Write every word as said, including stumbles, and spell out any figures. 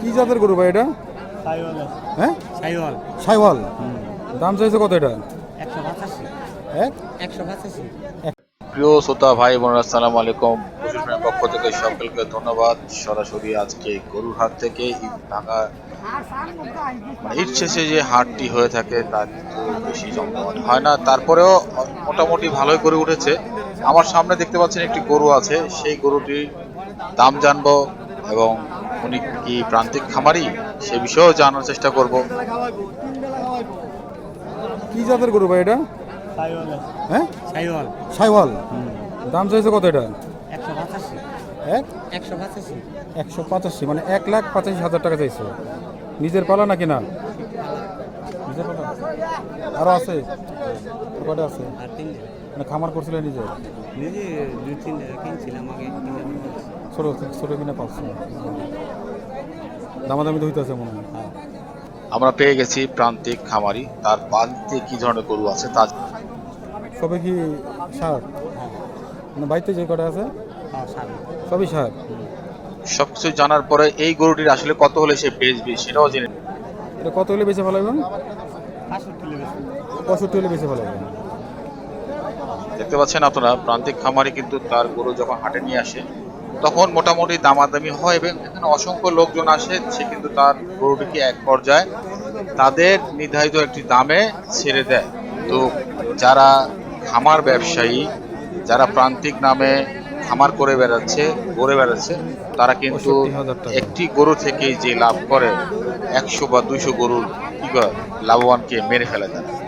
কি জাতের গরু ভাই এটা? সাইওয়াল। হ্যাঁ, সাইওয়াল। সাইওয়াল। দাম চাইছে কত এটা? একশো পঁচাশি। এক একশো পঁচাশি। প্রিয় শ্রোতা ভাই বোনেরা, আসসালামু আলাইকুম। পশুপ্রেমীর পক্ষ থেকে সকলকে ধন্যবাদ। সরাসরি আজকে গরুর হাট থেকে ঈদ ভাঙা মানে ঈদ শেষে যে হাটটি হয়ে থাকে তা কিন্তু বেশি জমজমাট হয় না, তারপরেও মোটামুটি ভালোই গরু উঠেছে। আমার সামনে দেখতে পাচ্ছেন একটি গরু আছে, সেই গরুটির দাম জানবো এবং উনি কি প্রান্তিক খামারি সে বিষয়েও জানার চেষ্টা করব। কি জাতের গরু ভাই এটা? সাইওয়াল। হ্যাঁ, সাইওয়াল। সাইওয়াল। দাম চাইছে কত এটা? একশো পঁচাশি। এক একশো পঁচাশি। একশো পঁচাশি মানে এক লাখ পঁচাশি হাজার টাকা চাইছে। নিজের পালা নাকি না? নিজের পালা আরো আছে? আর কটা আছে? আর তিনটে। মানে খামার করছিল নিজে? নিজে দুই তিনটে কিনছিলাম আগে, কিনে ছোট ছোট কিনে পাচ্ছি। দামাদামি তো হইতেছে মনে হয়। আমরা পেয়ে গেছি প্রান্তিক খামারি, তার বাড়িতে কি ধরনের গরু আছে তা সবে কি সার? মানে বাড়িতে যে কটা আছে হ্যাঁ সাড়ে। সবই সার। সবকিছু জানার পরে এই গরুটির আসলে কত হলে সে বেচবে সেটাও জেনে এটা কত হলে বেঁচে ফেলাবেন? পাঁচষট্টি লেগেছে। পঁয়ষট্টি হলে বেঁচে ফেলাবেন। দেখতে পাচ্ছেন আপনারা, প্রান্তিক খামারি কিন্তু তার গরু যখন হাটে নিয়ে আসে তখন মোটামুটি দামাদামি হয় এবং এখানে অসংখ্য লোকজন আসে, সে কিন্তু তার গরুটিকে এক পর্যায়ে তাদের নির্ধারিত একটি দামে ছেড়ে দেয়। তো যারা খামার ব্যবসায়ী, যারা প্রান্তিক নামে খামার করে বেড়াচ্ছে ঘুরে বেড়াচ্ছে, তারা কিন্তু পঁয়ষট্টি হাজার টাকা। একটি গরু থেকেই যে লাভ করে একশো বা দুইশো গরুর কি করে লাভবানকে মেরে ফেলে দেয়।